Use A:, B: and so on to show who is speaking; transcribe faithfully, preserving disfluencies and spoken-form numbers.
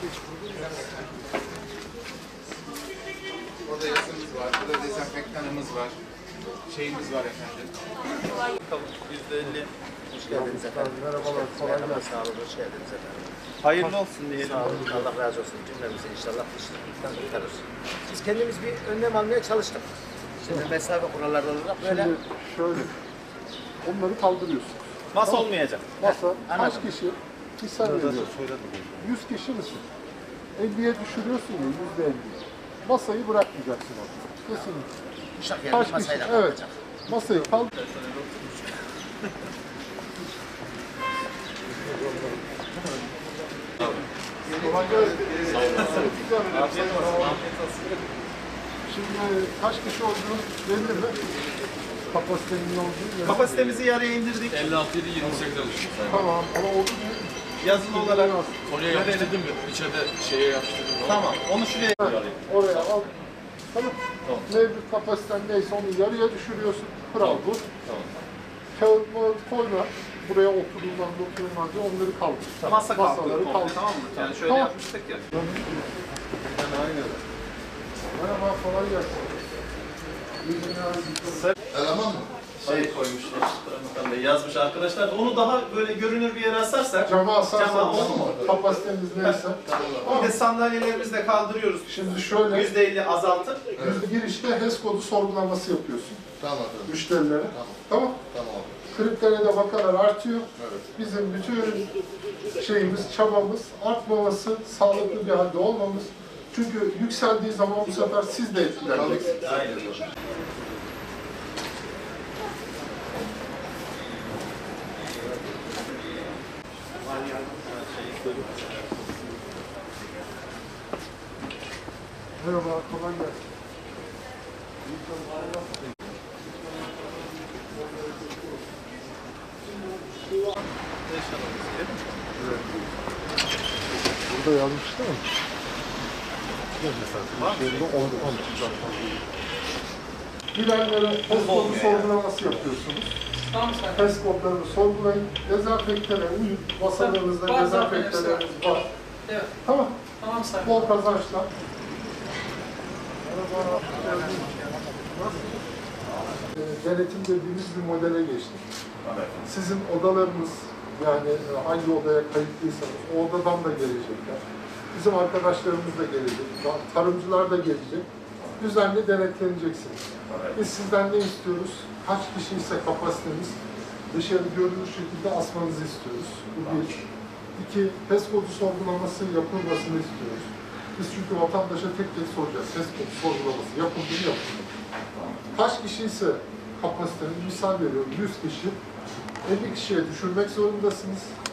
A: Orada yazımız var, burada dezenfektanımız var, şeyimiz var efendim.
B: yüzde elli.
C: Hoş geldiniz efendim.
D: Merhabalar, kolay gelsin.
C: Sağ olun, hoş geldiniz efendim.
B: Hayırlı olsun diyelim.
C: Sağ olun, Allah razı olsun. Cümlemize inşallah dışlıktan kurtarır. Biz kendimiz bir önlem almaya çalıştık. Şimdi mesafe kuralları olarak böyle.
D: Şimdi şöyle, onları kaldırıyorsun.
B: Masa olmayacak.
D: Masa, kaç
C: Anladım.
D: kişi? Bir sen veriyorsun. yüz kişi misin? elliye düşürüyorsun ya, yüzde elli. Masayı bırakmayacaksın orada. Kesinlikle.
C: Uşak
D: Kaç
C: yerine
D: kişi?
C: masayla
D: Evet.
C: kalkacak.
D: Masayı kaldır. Kolay gelsin.
B: Afiyet olsun.
D: Şimdi kaç kişi olduğunu belli mi? Kapasitenin ne olduğunu.
B: Kapasitemizi yarıya indirdik.
E: elli altı yedi yirmi sekiz alıştık.
D: Tamam ama oldu mu?
B: Yazılı olarak.
E: Oraya yapıştırdım mı? İçeride şeye yapıştırdım.
B: Tamam. Onu şuraya.
D: Oraya al. Tamam. Mevcut kapasiten neyse onu yarıya düşürüyorsun. Kural bu.
E: Tamam.
D: Kağıtları koyma. Buraya oturulmaz, oturulmaz diye onları kaldır.
B: Masa kalktı.
D: Masaları
B: komple,
D: kaldır.
B: Tamam mı? Yani şöyle
D: Tamam.
B: yapmıştık ya.
D: Merhaba, kolay gelsin. İyi günler.
A: Eleman mı?
B: Şey koymuşlar. Ramazan Bey yazmış arkadaşlar. Onu daha böyle görünür bir yere asarsak.
D: Cama asarsanız
B: Cama olur mu?
D: kapasiteniz neyse.
B: Bir de sandalyelerimizi de kaldırıyoruz.
D: Şimdi şöyle,
B: yüzde elli azaltıp.
D: yüzde girişte H E S kodu sorgulaması yapıyorsun
A: Tamam efendim.
D: müşterilere.
A: Tamam.
D: Tamam.
A: Tamam abi.
D: Kriplere de vakalar artıyor.
A: Evet.
D: Bizim bütün şeyimiz, çabamız artmaması, sağlıklı bir halde olmamız. Çünkü yükseldiği zaman bu sefer siz de etkileneceksiniz.
B: Aynen.
D: Merhaba, kolay gelsin. Burada yazmış değil mi? Girenlere H E S kodu sorgulaması yapıyorsunuz. H E S kodlarını sorgulayın. Dezenfektana uyun. Masalarınızda
F: Var,
D: dezenfektanlarınız var.
F: Evet.
D: Tamam.
F: Tamam sayın.
D: Bol kazançlar. Merhaba. Ee, Denetim dediğimiz bir modele geçtik. Sizin odalarınız, yani hangi odaya kayıtlıysanız o odadan da gelecekler. Bizim arkadaşlarımız da gelecek, tarımcılar da gelecek. Düzenli denetleneceksiniz. Biz sizden ne istiyoruz? Kaç kişiyse kapasiteniz dışarı görünür şekilde asmanızı istiyoruz. Bu bir. İki, H E S kodu sorgulaması yapılmasını istiyoruz. Biz çünkü vatandaşa tek tek soracağız. H E S kodu sorgulaması yapıldı mı yapıldı mı? Kaç kişiyse kapasiteniz, misal veriyorum yüz kişi, elli kişiye düşürmek zorundasınız.